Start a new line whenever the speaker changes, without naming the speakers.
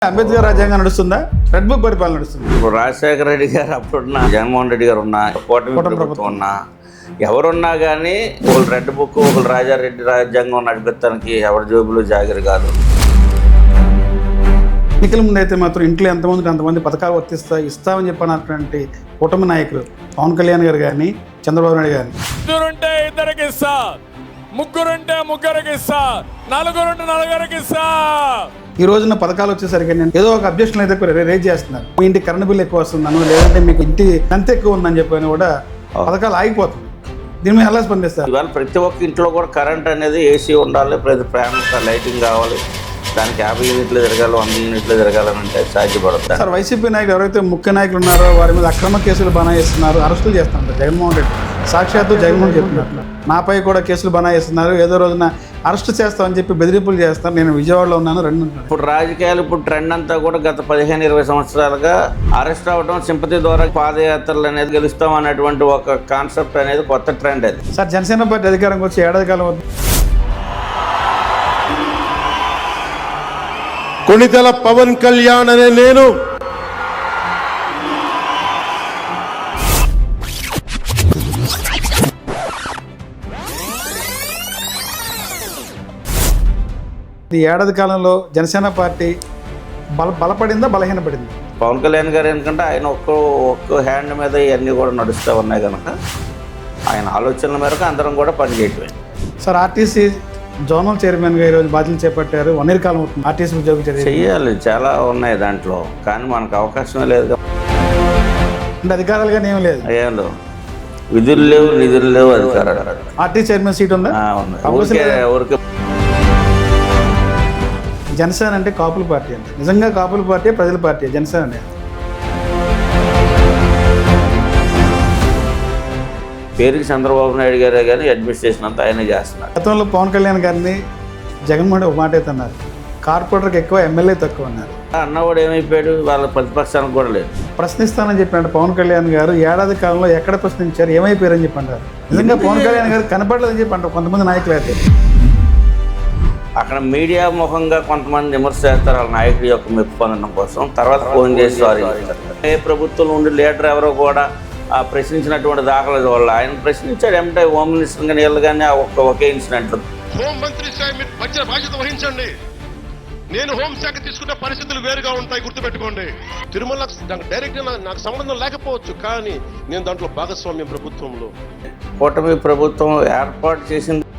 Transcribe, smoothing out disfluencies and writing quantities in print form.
అంబేద్కర్ రాజ్యాంగం నడుస్తుందా, red book పరిపాలన నడుస్తుంది?
ఇప్పుడు రాజశేఖర రెడ్డి గారు అప్పుడున్న జగన్మోహన్ రెడ్డి గారు ఉన్నా, కూటమి ప్రభుత్వం ఉన్నా, ఎవరున్నా కానీ ఒకళ్ళు రెడ్ బుక్, ఒకళ్ళు రాజారెడ్డి రాజ్యాంగం నడిపించడానికి ఎవరి జోబులు జాగిరి కాదు.
ఎన్నికల ముందు అయితే మాత్రం ఇంట్లో ఎంతమంది అంతమంది పథకాలు ఇస్తామని చెప్పినటువంటి కూటమి నాయకులు పవన్ కళ్యాణ్ గారు కానీ, చంద్రబాబు నాయుడు గారిని
ఇద్దరుంటే ఇద్దరికి ఇస్తా, ముగ్గురుంటే ముగ్గురికి ఇస్తా, నలుగురుంటే నలుగురికి ఇస్తా.
ఈ రోజున పథకాలు వచ్చేసరికి నేను ఏదో ఒక అబ్జెక్షన్ అయితే రేజ్ చేస్తున్నారు. మీ ఇంటి కరెంట్ బిల్ ఎక్కువ వస్తుందను, లేదంటే మీకు ఇంటి ఎంత ఎక్కువ ఉందని చెప్పని కూడా పథకాలు ఆగిపోతుంది. దీని మీద ఎలా స్పందిస్తారు?
ఇవాళ ప్రతి ఒక్క ఇంట్లో కూడా కరెంట్ అనేది ఏసీ ఉండాలి, ప్రతి ఫ్యాన్ లైటింగ్ కావాలి. దానికి 50 యూనిట్లు తిరగాలి, 100 యూనిట్లు తిరగాలని అంటే సాధ్యపడుతుంది.
సార్, వైసీపీ నాయకులు ఎవరైతే ముఖ్య నాయకులు ఉన్నారో వారి మీద అక్రమ కేసులు బనాయిస్తున్నారు, అరెస్టులు చేస్తున్నారు. జగన్మోహన్ రెడ్డి సాక్షాత్తు జగన్మోహన్ చెప్తున్నారు, నాపై కూడా కేసులు బనాయిస్తున్నారు, ఏదో రోజున అరెస్ట్ చేస్తామని చెప్పి బెదిరింపులు చేస్తారు. నేను విజయవాడలో ఉన్నాను, రెండు.
ఇప్పుడు రాజకీయాలు ఇప్పుడు ట్రెండ్ అంతా కూడా గత 15-20 సంవత్సరాలుగా అరెస్ట్ అవ్వడం, సింపతి ద్వారా పాదయాత్రలు అనేది గెలుస్తాం అనేటువంటి ఒక కాన్సెప్ట్ అనేది కొత్త ట్రెండ్ అది.
సార్, జనసేన పార్టీ అధికారంకి వచ్చి ఏడాది కాలం అవుతుంది.
కొణిదెల పవన్ కళ్యాణ్ అనే నేను
ఈ ఏడాది కాలంలో జనసేన పార్టీ బలపడిందా, బలహీనపడింది?
పవన్ కళ్యాణ్ గారు ఎందుకంటే ఆయన ఒక్క హ్యాండ్ మీద ఇవన్నీ కూడా నడుస్తూ ఉన్నాయి కనుక ఆయన ఆలోచనల మేరకు అందరం కూడా పనిచేయటమే.
సార్, ఆర్టీసీ జోనల్ చైర్మన్గా ఈరోజు బాధ్యతలు చేపట్టారు. 1 year కాలం అవుతుంది ఆర్టీసీ ఉద్యోగం
చెయ్యాలి, చాలా ఉన్నాయి దాంట్లో, కానీ మనకు అవకాశమే లేదు.
అంటే అధికారాలుగా ఏమీ లేదు,
ఏం లేవు, విధులు లేవు, నిధులు లేవు, అధికారాలు.
ఆర్టీసీ చైర్మన్ సీట్ ఉందా?
ఊరికే
జనసేన అంటే కాపుల పార్టీ అంటే నిజంగా కాపుల పార్టీ, ప్రజల పార్టీ జనసేన అనేది.
పేరుకి చంద్రబాబు నాయుడు గారే కానీ అడ్మినిస్ట్రేషన్ అంతా ఆయనే చేస్తున్నారు.
గతంలో పవన్ కళ్యాణ్ గారిని జగన్మోహన్ ఒక మాట అయితే అన్నారు, కార్పొరేటర్కి ఎక్కువ, ఎమ్మెల్యే తక్కువ అన్నారు.
అన్నవాడు ఏమైపోయాడు, వాళ్ళ ప్రతిపక్షానికి కూడా లేదు.
ప్రశ్నిస్తానని చెప్పినట్టు పవన్ కళ్యాణ్ గారు ఏడాది కాలంలో ఎక్కడ ప్రశ్నించారు, ఏమైపోయారని చెప్పి అంటారు. నిజంగా పవన్ కళ్యాణ్ గారు కనపడలేదని చెప్పి అంటారు కొంతమంది నాయకులు. అయితే
అక్కడ మీడియా ముఖంగా కొంతమంది విమర్శ చేస్తారు వాళ్ళ నాయకుడి యొక్క మెప్పు పొందడం కోసం, తర్వాత ఫోన్ చేసి సారీ చెప్తారు. ఏ ప్రభుత్వంలో ఉండి లీడర్ ఎవరో కూడా ప్రశ్నించినటువంటి దాఖలు వల్ల ఆయన ప్రశ్నించాడు. ఏమంటే హోమ్ మినిస్టర్ కానీ వీళ్ళు కానీ ఒకే ఇన్సిడెంట్.
హోం మంత్రి సార్ మీరు బాధ్యత వహించండి. నేను హోంశాఖ తీసుకున్న పరిస్థితులు వేరుగా ఉంటాయి, గుర్తుపెట్టుకోండి. తిరుమల డైరెక్ట్ నాకు సంబంధం లేకపోవచ్చు, కానీ నేను దాంట్లో భాగస్వామ్యం ప్రభుత్వంలో.
కూటమి ప్రభుత్వం ఏర్పాటు చేసింది